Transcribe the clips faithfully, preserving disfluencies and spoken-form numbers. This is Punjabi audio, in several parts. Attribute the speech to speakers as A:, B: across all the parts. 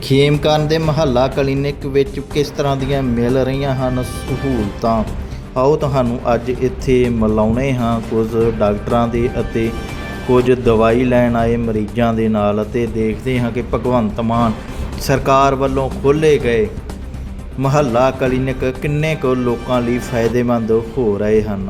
A: ਖੇਮਕਰਨ ਦੇ ਮੁਹੱਲਾ ਕਲੀਨਿਕ ਵਿੱਚ ਕਿਸ ਤਰ੍ਹਾਂ ਦੀਆਂ ਮਿਲ ਰਹੀਆਂ ਹਨ ਸਹੂਲਤਾਂ, ਆਓ ਤੁਹਾਨੂੰ ਅੱਜ ਇੱਥੇ ਮਿਲਾਉਂਦੇ ਹਾਂ ਕੁਝ ਡਾਕਟਰਾਂ ਦੇ ਅਤੇ ਕੁਝ ਦਵਾਈ ਲੈਣ ਆਏ ਮਰੀਜ਼ਾਂ ਦੇ ਨਾਲ ਅਤੇ ਦੇਖਦੇ ਹਾਂ ਕਿ ਭਗਵੰਤ ਮਾਨ ਸਰਕਾਰ ਵੱਲੋਂ ਖੋਲ੍ਹੇ ਗਏ ਮੁਹੱਲਾ ਕਲੀਨਿਕ ਕਿੰਨੇ ਕੁ ਲੋਕਾਂ ਲਈ ਫਾਇਦੇਮੰਦ ਹੋ ਰਹੇ ਹਨ।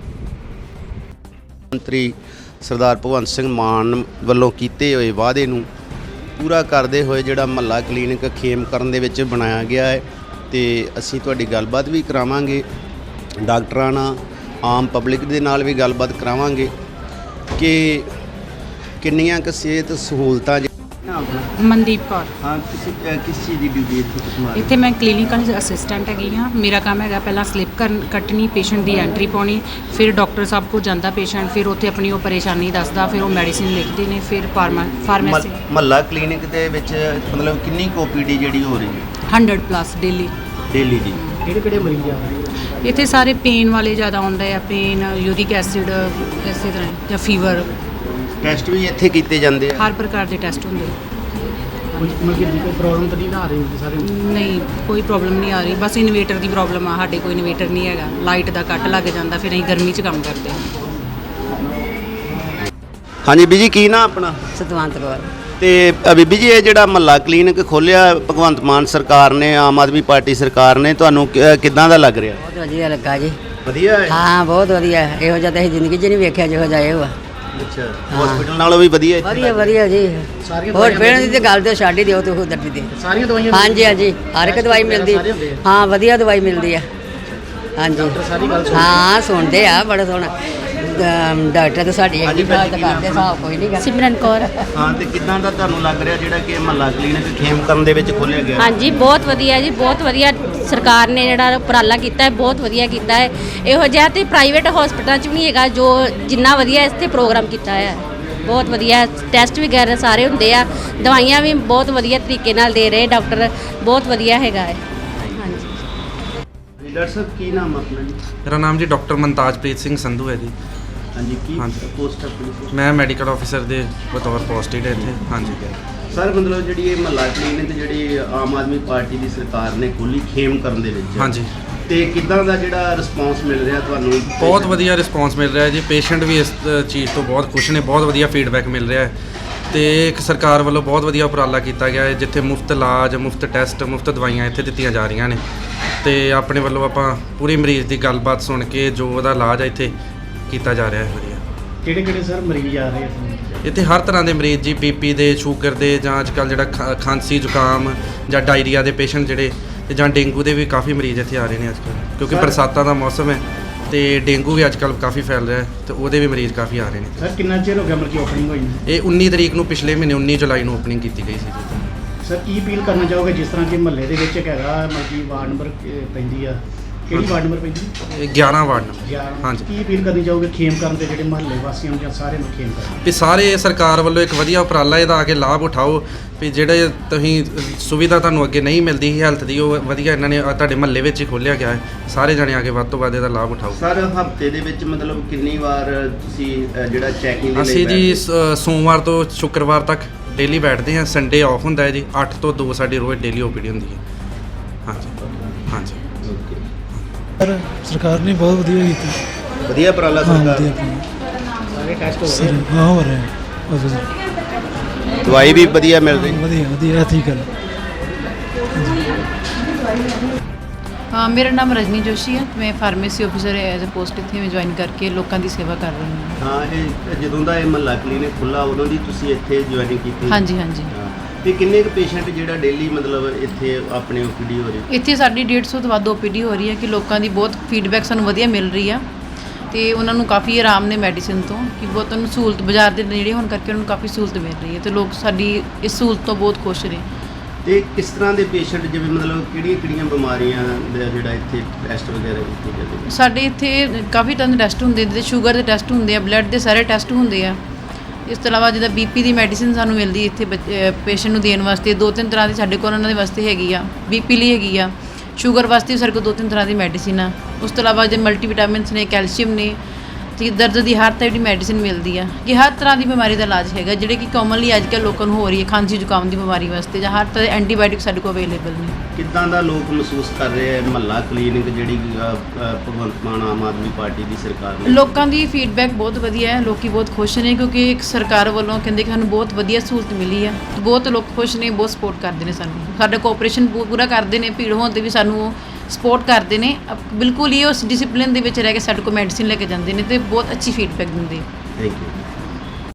B: ਮੰਤਰੀ ਸਰਦਾਰ ਭਗਵੰਤ ਸਿੰਘ ਮਾਨ ਵੱਲੋਂ ਕੀਤੇ ਹੋਏ ਵਾਅਦੇ ਨੂੰ ਪੂਰਾ ਕਰਦੇ ਹੋਏ ਜਿਹੜਾ ਮੁਹੱਲਾ ਕਲੀਨਿਕ ਖੇਮਕਰਨ ਦੇ ਵਿੱਚ ਬਣਾਇਆ ਗਿਆ ਹੈ ਤੇ ਅਸੀਂ ਤੁਹਾਡੀ ਗੱਲਬਾਤ ਵੀ ਕਰਾਵਾਂਗੇ ਡਾਕਟਰਾਂ ਨਾਲ, ਆਮ ਪਬਲਿਕ ਦੇ ਨਾਲ ਵੀ ਗੱਲਬਾਤ ਕਰਾਵਾਂਗੇ ਕਿ ਕਿੰਨੀਆਂ ਕੁ ਸਿਹਤ ਸਹੂਲਤਾਂ।
C: ਮਨਦੀਪ ਕੌਰ।
B: ਹਾਂ, ਕਿਸੇ ਕਿਸ ਚੀਜ਼ ਦੀ ਡਿਊਟੀ ਇੱਥੇ ਤੁਸੀਂ?
C: ਇੱਥੇ ਮੈਂ ਕਲੀਨਿਕਲ ਅਸਿਸਟੈਂਟ ਹੈਗੀ ਹਾਂ। ਮੇਰਾ ਕੰਮ ਹੈਗਾ ਪਹਿਲਾਂ ਸਲਿੱਪ ਕਰਨ ਕੱਟਣੀ, ਪੇਸ਼ੈਂਟ ਦੀ ਐਂਟਰੀ ਪਾਉਣੀ, ਫਿਰ ਡਾਕਟਰ ਸਾਹਿਬ ਕੋਲ ਜਾਂਦਾ ਪੇਸ਼ੈਂਟ, ਫਿਰ ਉੱਥੇ ਆਪਣੀ ਉਹ ਪਰੇਸ਼ਾਨੀ ਦੱਸਦਾ, ਫਿਰ ਉਹ ਮੈਡੀਸਿਨ ਲਿਖਦੇ ਨੇ, ਫਿਰ ਫਾਰਮਾ ਫਾਰਮੇਸੀ।
B: ਮੁਹੱਲਾ ਕਲੀਨਿਕ ਦੇ ਵਿੱਚ ਮਤਲਬ ਕਿੰਨੀ ਕੁ ਓ ਪੀ ਡੀ ਜਿਹੜੀ ਹੋ ਰਹੀ ਹੈ?
C: ਹੰਡਰਡ ਪਲੱਸ ਡੇਲੀ
B: ਡੇਲੀ ਦੀ।
D: ਕਿਹੜੇ ਕਿਹੜੇ ਮਰੀਜ਼ ਆ ਰਹੇ?
C: ਇੱਥੇ ਸਾਰੇ ਪੇਨ ਵਾਲੇ ਜ਼ਿਆਦਾ ਆਉਂਦੇ ਆ, ਪੇਨ, ਯੂਰਿਕ ਐਸਿਡ, ਇਸੇ ਤਰ੍ਹਾਂ ਜਾਂ ਫੀਵਰ।
B: ਟੈਸਟ ਵੀ ਇੱਥੇ ਕੀਤੇ ਜਾਂਦੇ ਆ?
C: ਹਰ ਪ੍ਰਕਾਰ ਦੇ ਟੈਸਟ ਹੁੰਦੇ ਆ।
D: ਕੋਈ ਮਤਲਬ ਕਿ ਕੋਈ ਪ੍ਰੋਬਲਮ ਤਾਂ ਨਹੀਂ ਨਾ ਆ ਰਹੀ ਹੁੰਦੀ ਸਾਰੇ?
C: ਨਹੀਂ, ਕੋਈ ਪ੍ਰੋਬਲਮ ਨਹੀਂ ਆ ਰਹੀ, ਬਸ ਇਨਵੇਟਰ ਦੀ ਪ੍ਰੋਬਲਮ ਆ। ਸਾਡੇ ਕੋਈ ਇਨਵੇਟਰ ਨਹੀਂ ਹੈਗਾ, ਲਾਈਟ ਦਾ ਕੱਟ ਲੱਗ ਜਾਂਦਾ, ਫਿਰ ਅਸੀਂ ਗਰਮੀ 'ਚ ਕੰਮ ਕਰਦੇ ਹਾਂ।
B: ਹਾਂਜੀ ਬੀਜੀ, ਕੀ ਨਾ ਆਪਣਾ?
E: ਸਤਵੰਤ ਕੌਰ।
B: ਤੇ ਬੀਬੀ ਜੀ, ਇਹ ਜਿਹੜਾ ਮੁਹੱਲਾ ਕਲੀਨਿਕ ਖੋਲ੍ਹਿਆ ਭਗਵੰਤ ਮਾਨ ਸਰਕਾਰ ਨੇ, ਆਮ ਆਦਮੀ ਪਾਰਟੀ ਸਰਕਾਰ ਨੇ, ਤੁਹਾਨੂੰ ਕਿ- ਕਿੱਦਾਂ ਦਾ ਲੱਗ ਰਿਹਾ?
E: ਬਹੁਤ ਵਧੀਆ ਲੱਗਾ ਜੀ।
B: ਵਧੀਆ ਹੈ?
E: ਹਾਂ, ਬਹੁਤ ਵਧੀਆ। ਇਹੋ ਜਿਹਾ ਤਾਂ ਅਸੀਂ ਜ਼ਿੰਦਗੀ 'ਚ ਨਹੀਂ ਵੇਖਿਆ ਜਿਹੋ ਜਿਹਾ ਇਹ ਵਾ।
B: ਅੱਛਾ, ਹਸਪੀਟਲ ਨਾਲੋਂ ਵੀ ਵਧੀਆ ਇੱਥੇ?
E: ਵਧੀਆ ਵਧੀਆ ਜੀ।
D: ਸਾਰੀਆਂ
E: ਹੋਰ ਫਿਰ ਦੀ ਤੇ ਗੱਲ ਤੇ ਛੱਡ ਹੀ ਦਿਓ ਤੇ ਉਹ ਦਰਦੀ ਦੇ।
D: ਸਾਰੀਆਂ ਦਵਾਈਆਂ?
E: ਹਾਂਜੀ ਹਾਂਜੀ, ਹਰ ਇੱਕ ਦਵਾਈ ਮਿਲਦੀ। ਹਾਂ, ਵਧੀਆ ਦਵਾਈ ਮਿਲਦੀ ਆ। ਹਾਂਜੀ
D: ਸਾਰੀ ਗੱਲ ਸੁਣ?
E: ਹਾਂ, ਸੁਣਦੇ ਆ ਬੜਾ ਸੋਹਣਾ। ਅਮ ਡਾਕਟਰ ਤਾਂ ਸਾਡੀ ਇੰਨੀ ਬਾਤ ਕਰਦੇ, ਹਿਸਾਬ ਕੋਈ ਨਹੀਂ ਗਾ।
F: ਸਿਮਰਨ ਕੌਰ।
B: ਹਾਂ, ਤੇ ਕਿੱਦਾਂ ਦਾ ਤੁਹਾਨੂੰ ਲੱਗ ਰਿਹਾ ਜਿਹੜਾ ਕਿ ਮੁਹੱਲਾ ਕਲੀਨਿਕ ਖੇਮਕਰਨ ਦੇ ਵਿੱਚ ਖੋਲ੍ਹਿਆ ਗਿਆ?
F: ਹਾਂਜੀ, ਬਹੁਤ ਵਧੀਆ ਜੀ, ਬਹੁਤ ਵਧੀਆ ਸਰਕਾਰ ਨੇ ਜਿਹੜਾ ਉਪਰਾਲਾ ਕੀਤਾ ਹੈ, ਬਹੁਤ ਵਧੀਆ ਕੀਤਾ ਹੈ। ਇਹੋ ਜਿਹਾ ਤੇ ਪ੍ਰਾਈਵੇਟ ਹਸਪਤਾਲਾਂ 'ਚ ਵੀ ਨਹੀਂ ਹੈਗਾ ਜੋ ਜਿੰਨਾ ਵਧੀਆ ਇੱਥੇ ਪ੍ਰੋਗਰਾਮ ਕੀਤਾ ਹੈ। ਬਹੁਤ ਵਧੀਆ ਟੈਸਟ ਵਗੈਰਾ ਸਾਰੇ ਹੁੰਦੇ ਆ, ਦਵਾਈਆਂ ਵੀ ਬਹੁਤ ਵਧੀਆ ਤਰੀਕੇ ਨਾਲ ਦੇ ਰਹੇ ਡਾਕਟਰ, ਬਹੁਤ ਵਧੀਆ ਹੈਗਾ ਹੈ। ਹਾਂਜੀ।
B: ਡਾਕਟਰ ਸਾਹਿਬ, ਕੀ ਨਾਮ ਆਪਣਾ ਜੀ?
G: ਮੇਰਾ ਨਾਮ ਜੀ ਡਾਕਟਰ ਮਨਤਾਜਪ੍ਰੀਤ ਸਿੰਘ ਸੰਧੂ ਹੈ ਜੀ।
B: ਹਾਂਜੀ, ਕੀ
G: ਹਾਂਜੀ।
B: ਪੋਸਟ ਆਪਣੀ?
G: ਮੈਂ ਮੈਡੀਕਲ ਆਫਿਸਰ ਦੇ ਬਤੌਰ ਪੋਸਟਡ ਹੈ ਇੱਥੇ। ਹਾਂਜੀ
B: ਸਰ, ਮਤਲਬ ਜਿਹੜੀ ਇਹ ਮੁਹੱਲਾ ਕਲੀਨਿਕ ਜਿਹੜੀ ਆਮ ਆਦਮੀ ਪਾਰਟੀ ਦੀ ਸਰਕਾਰ ਨੇ ਖੋਲ੍ਹੀ ਖੇਮਕਰਨ ਦੇ ਵਿੱਚ,
G: ਹਾਂਜੀ,
B: ਤੇ ਕਿੱਦਾਂ ਦਾ ਜਿਹੜਾ ਰਿਸਪੌਂਸ ਮਿਲ ਰਿਹਾ ਤੁਹਾਨੂੰ?
G: ਬਹੁਤ ਵਧੀਆ ਰਿਸਪੌਂਸ ਮਿਲ ਰਿਹਾ ਜੀ। ਪੇਸ਼ੈਂਟ ਵੀ ਇਸ ਅ, ਚੀਜ਼ ਤੋਂ ਬਹੁਤ ਖੁਸ਼ ਨੇ, ਬਹੁਤ ਵਧੀਆ ਫੀਡਬੈਕ ਮਿਲ ਰਿਹਾ ਹੈ। ਤੇ ਇੱਕ ਸਰਕਾਰ ਵੱਲੋਂ ਬਹੁਤ ਵਧੀਆ ਉਪਰਾਲਾ ਕੀਤਾ ਗਿਆ ਹੈ ਜਿੱਥੇ ਮੁਫਤ ਇਲਾਜ, ਮੁਫਤ ਟੈਸਟ, ਮੁਫਤ ਦਵਾਈਆਂ ਇੱਥੇ ਦਿੱਤੀਆਂ ਜਾ ਰਹੀਆਂ ਨੇ। ਤੇ ਆਪਣੇ ਵੱਲੋਂ ਆਪਾਂ ਪੂਰੀ ਮਰੀਜ਼ ਦੀ ਗੱਲਬਾਤ ਸੁਣ ਕੇ ਜੋ ਉਹਦਾ ਇਲਾਜ ਹੈ ਇੱਥੇ ਕੀਤਾ ਜਾ ਰਿਹਾ ਹੈ ਵਧੀਆ।
D: ਕਿਹੜੇ ਕਿਹੜੇ ਸਰ ਮਰੀਜ਼ ਆ ਰਹੇ ਆ?
G: ਇੱਥੇ ਹਰ ਤਰ੍ਹਾਂ ਦੇ ਮਰੀਜ਼ ਜੀ, ਬੀਪੀ ਦੇ, ਸ਼ੂਗਰ ਦੇ, ਜਾਂ ਅੱਜ ਕੱਲ੍ਹ ਜਿਹੜਾ ਖਾ- ਖਾਂਸੀ ਜ਼ੁਕਾਮ ਜਾਂ ਡਾਇਰੀਆ ਦੇ ਪੇਸ਼ੈਂਟ ਜਿਹੜੇ, ਤੇ ਜਾਂ ਡੇਂਗੂ ਦੇ ਵੀ ਕਾਫੀ ਮਰੀਜ਼ ਇੱਥੇ ਆ ਰਹੇ ਨੇ ਅੱਜ ਕੱਲ੍ਹ, ਕਿਉਂਕਿ ਬਰਸਾਤਾਂ ਦਾ ਮੌਸਮ ਹੈ ਤੇ ਡੇਂਗੂ ਵੀ ਅੱਜ ਕੱਲ੍ਹ ਕਾਫੀ ਫੈਲ ਰਿਹਾ ਹੈ, ਤੇ ਉਹਦੇ ਵੀ ਮਰੀਜ਼ ਕਾਫੀ ਆ ਰਹੇ ਨੇ।
D: ਸਰ ਕਿੰਨਾ ਚਿਰ ਹੋ ਗਿਆ ਮਤਲਬ ਕਿ ਓਪਨਿੰਗ ਹੋਈ ਨੂੰ?
G: ਇਹ ਉੱਨੀ ਤਰੀਕ ਨੂੰ, ਪਿਛਲੇ ਮਹੀਨੇ ਉੱਨੀ ਜੁਲਾਈ ਨੂੰ ਓਪਨਿੰਗ ਕੀਤੀ ਗਈ ਸੀ ਜੀ।
D: ਸਰ ਕੀ ਅਪੀਲ ਕਰਨਾ ਚਾਹੋਗੇ ਜਿਸ ਤਰ੍ਹਾਂ ਕਿ ਮਹੱਲੇ ਦੇ ਵਿੱਚ ਇੱਕ ਹੈਗਾ ਮਤਲਬ ਕਿ ਵਾਰਡ ਨੰਬਰ ਪੈਂਦੀ ਆ, ਕਿਹੜੀ ਵਾਰਡ ਨੰਬਰ ਪੈਂਦੀ?
G: ਇਹ ਗਿਆਰਾਂ ਵਾਰਡ ਨੰਬਰ।
D: ਗਿਆਰਾਂ।
G: ਹਾਂਜੀ।
D: ਕੀ ਅਪੀਲ ਕਰਨੀ ਚਾਹੋਗੇ ਖੇਮਕਰਨ ਦੇ ਜਿਹੜੇ ਮਹੱਲੇ ਵਾਸੀਆਂ ਨੂੰ ਜਾਂ ਸਾਰਿਆਂ ਨੂੰ ਖੇਮਕਰਨ?
G: ਵੀ ਸਾਰੇ ਸਰਕਾਰ ਵੱਲੋਂ ਇੱਕ ਵਧੀਆ ਉਪਰਾਲਾ ਇਹਦਾ ਆ ਕੇ ਲਾਭ ਉਠਾਓ, ਵੀ ਜਿਹੜੇ ਤੁਸੀਂ ਸੁਵਿਧਾ ਤੁਹਾਨੂੰ ਅੱਗੇ ਨਹੀਂ ਮਿਲਦੀ ਸੀ ਹੈਲਥ ਦੀ, ਉਹ ਵਧੀਆ ਇਹਨਾਂ ਨੇ ਤੁਹਾਡੇ ਮਹੱਲੇ ਵਿੱਚ ਹੀ ਖੋਲ੍ਹਿਆ ਗਿਆ ਹੈ। ਸਾਰੇ ਜਣੇ ਆ ਕੇ ਵੱਧ ਤੋਂ ਵੱਧ ਇਹਦਾ ਲਾਭ ਉਠਾਓ।
B: ਸਰ, ਹਫਤੇ ਦੇ ਵਿੱਚ ਮਤਲਬ ਕਿੰਨੀ ਵਾਰ ਤੁਸੀਂ ਅ, ਜਿਹੜਾ ਚੈਕਿੰਗ ਦੇ ਲਈ
G: ਅਸੀਂ ਜੀ
B: ਬੈਠਦੇ ਹੋ?
G: ਸ- ਸੋਮਵਾਰ ਤੋਂ ਸ਼ੁੱਕਰਵਾਰ ਤੱਕ ਡੇਲੀ ਬੈਠਦੇ ਹਾਂ। ਸੰਡੇ ਆਫ ਹੁੰਦਾ ਹੈ ਜੀ। ਅੱਠ ਤੋਂ ਦੋ ਸਾਡੀ ਰੋਜ਼ ਡੇਲੀ ਓਪੀਡੀ ਹੁੰਦੀ ਹੈ। ਹਾਂਜੀ ਹਾਂਜੀ।
B: Okay।
H: ਪਰ ਸਰਕਾਰ ਨੇ ਬਹੁਤ ਵਧੀਆ ਕੀਤੀ।
B: ਵਧੀਆ ਉਪਰਾਲਾ
H: ਹਾਂ,
B: ਸਰਕਾਰ
H: ਵਧੀਆ
B: ਦਾ।
H: ਆਪਣੀ
D: ਸਾਰੇ ਟੈਸਟ ਹੋ
H: ਸਰ,
D: ਰਹੇ?
H: ਹਾਂ, ਹੋ ਰਿਹਾ ਹੈ। ਬਹੁਤ ਵਧੀਆ
B: ਦਵਾਈ ਵੀ ਵਧੀਆ ਮਿਲ ਰਹੀ?
H: ਵਧੀਆ ਵਧੀਆ ਠੀਕ ਹੈ।
I: ਹਾਂ, ਮੇਰਾ ਨਾਮ ਰਜਨੀ ਜੋਸ਼ੀ ਹੈ। ਮੈਂ pharmacy officer as a post ਇੱਥੇ ਮੈਂ ਜੁਆਇਨ ਕਰਕੇ ਲੋਕਾਂ ਦੀ ਸੇਵਾ ਕਰ ਰਹੀ ਹਾਂ।
B: ਹਾਂ, ਇਹ ਜਦੋਂ ਦਾ ਇਹ ਮੁਹੱਲਾ ਕਲੀਨਿਕ ਖੁੱਲ੍ਹਾ ਉਦੋਂ ਦੀ ਤੁਸੀਂ ਇੱਥੇ ਜੁਆਇਨਿੰਗ ਕੀਤੀ?
I: ਹਾਂਜੀ ਹਾਂਜੀ।
B: ਹਾਂ। ਤੇ ਕਿੰਨੇ ਕੁ ਪੇਸ਼ੈਂਟ ਜਿਹੜਾ ਡੇਲੀ ਮਤਲਬ ਇੱਥੇ ਆਪਣੇ ਓ ਪੀ ਡੀ ਹੋ ਰਹੀ?
I: ਇੱਥੇ ਸਾਡੀ ਡੇਢ ਸੌ ਤੋਂ ਵੱਧ ਓ ਪੀ ਡੀ ਹੋ ਰਹੀ ਹੈ ਕਿ ਲੋਕਾਂ ਦੀ ਬਹੁਤ ਫੀਡਬੈਕ ਸਾਨੂੰ ਵਧੀਆ ਮਿਲ ਰਹੀ ਆ ਤੇ ਉਹਨਾਂ ਨੂੰ ਕਾਫੀ ਆਰਾਮ ਨੇ ਮੈਡੀਸਿਨ ਤੋਂ, ਕਿ ਬਹੁਤ ਉਹਨਾਂ ਨੂੰ ਸਹੂਲਤ ਬਾਜ਼ਾਰ ਦੇ ਨੇੜੇ ਹੋਣ ਕਰਕੇ ਉਹਨਾਂ ਨੂੰ ਕਾਫੀ ਸਹੂਲਤ ਮਿਲ ਰਹੀ ਹੈ ਤੇ ਲੋਕ ਸਾਡੀ ਇਸ ਸਹੂਲਤ ਤੋਂ ਬਹੁਤ ਖੁਸ਼ ਨੇ।
B: ਤੇ ਕਿਸ ਤਰ੍ਹਾਂ ਦੇ ਪੇਸ਼ੈਂਟ, ਜਿਵੇਂ ਮਤਲਬ ਕਿਹੜੀਆਂ ਕਿਹੜੀਆਂ ਬਿਮਾਰੀਆਂ ਦਾ ਜਿਹੜਾ ਇੱਥੇ ਟੈਸਟ ਵਗੈਰਾ ਕੀਤੇ ਜਾਂਦੇ ਨੇ?
I: ਸਾਡੇ ਇੱਥੇ ਕਾਫੀ ਤਰ੍ਹਾਂ ਦੇ ਟੈਸਟ ਹੁੰਦੇ ਨੇ, ਸ਼ੂਗਰ ਦੇ ਟੈਸਟ ਹੁੰਦੇ ਆ, ਬਲੱਡ ਦੇ ਸਾਰੇ ਟੈਸਟ ਹੁੰਦੇ ਆ। ਇਸ ਤੋਂ ਇਲਾਵਾ ਜਿੱਦਾਂ ਬੀਪੀ ਦੀ ਮੈਡੀਸਿਨ ਸਾਨੂੰ ਮਿਲਦੀ ਇੱਥੇ ਪੇਸ਼ੈਂਟ ਨੂੰ ਦੇਣ ਵਾਸਤੇ। ਦੋ ਤਿੰਨ ਤਰ੍ਹਾਂ ਦੀ ਸਾਡੇ ਕੋਲ ਉਹਨਾਂ ਦੇ ਵਾਸਤੇ ਹੈਗੀ ਆ, ਬੀਪੀ ਲਈ ਹੈਗੀ ਆ, ਸ਼ੂਗਰ ਵਾਸਤੇ ਸਾਡੇ ਕੋਲ ਦੋ ਤਿੰਨ ਤਰ੍ਹਾਂ ਦੀ ਮੈਡੀਸਿਨ ਆ। ਉਸ ਤੋਂ ਇਲਾਵਾ ਜੇ ਮਲਟੀਵਿਟਾਮਿਨਸ ਨੇ, ਕੈਲਸ਼ੀਅਮ ਨੇ, ਤੇ ਦਰਦ ਦੀ ਹਰ ਤਰ੍ਹਾਂ ਦੀ ਮੈਡੀਸਿਨ ਮਿਲਦੀ ਆ ਕਿ ਹਰ ਤਰ੍ਹਾਂ ਦੀ ਬਿਮਾਰੀ ਦਾ ਇਲਾਜ ਹੈਗਾ, ਜਿਹੜੇ ਕਿ ਕਾਮਨਲੀ ਅੱਜ ਕੱਲ੍ਹ ਲੋਕਾਂ ਨੂੰ ਹੋ ਰਹੀ ਹੈ ਖਾਂਸੀ ਜ਼ੁਕਾਮ ਦੀ ਬਿਮਾਰੀ ਵਾਸਤੇ, ਜਾਂ ਹਰ ਤਰ੍ਹਾਂ ਦੇ ਐਂਟੀਬਾਇਓਟਿਕ ਸਾਡੇ ਕੋਲ ਅਵੇਲੇਬਲ ਨੇ।
B: ਕਿੱਦਾਂ ਦਾ ਲੋਕ ਮਹਿਸੂਸ ਕਰ ਰਹੇ ਹੈ ਮਹੱਲਾ ਕਲੀਨਿਕ ਜਿਹੜੀ ਅ, ਅ, ਭਗਵੰਤ ਮਾਨ ਆਮ ਆਦਮੀ ਪਾਰਟੀ ਦੀ ਸਰਕਾਰ ਨੇ?
I: ਲੋਕਾਂ ਦੀ ਫੀਡਬੈਕ ਬਹੁਤ ਵਧੀਆ ਹੈ, ਲੋਕੀ ਬਹੁਤ ਖੁਸ਼ ਨੇ ਕਿਉਂਕਿ ਇੱਕ ਸਰਕਾਰ ਵੱਲੋਂ ਕਹਿੰਦੇ ਕਿ ਸਾਨੂੰ ਬਹੁਤ ਵਧੀਆ ਸਹੂਲਤ ਮਿਲੀ ਆ। ਬਹੁਤ ਲੋਕ ਖੁਸ਼ ਨੇ, ਬਹੁਤ ਸਪੋਰਟ ਕਰਦੇ ਨੇ ਸਾਨੂੰ, ਸਾਡਾ ਕੋਆਪਰੇਸ਼ਨ ਪੂਰਾ ਕਰਦੇ ਨੇ, ਭੀੜ ਹੋਣ 'ਤੇ ਵੀ ਸਾਨੂੰ ਸਪੋਰਟ ਕਰਦੇ ਨੇ। ਅਪ- ਬਿਲਕੁਲ ਹੀ ਉਸ ਡਿਸਪਲਿਨ ਦੇ ਵਿੱਚ ਰਹਿ ਕੇ ਸਾਡੇ ਕੋਲ ਮੈਡੀਸਿਨ ਲੈ ਕੇ ਜਾਂਦੇ ਨੇ ਤੇ ਬਹੁਤ ਅੱਛੀ ਫੀਡਬੈਕ ਦਿੰਦੇ।
B: Thank you.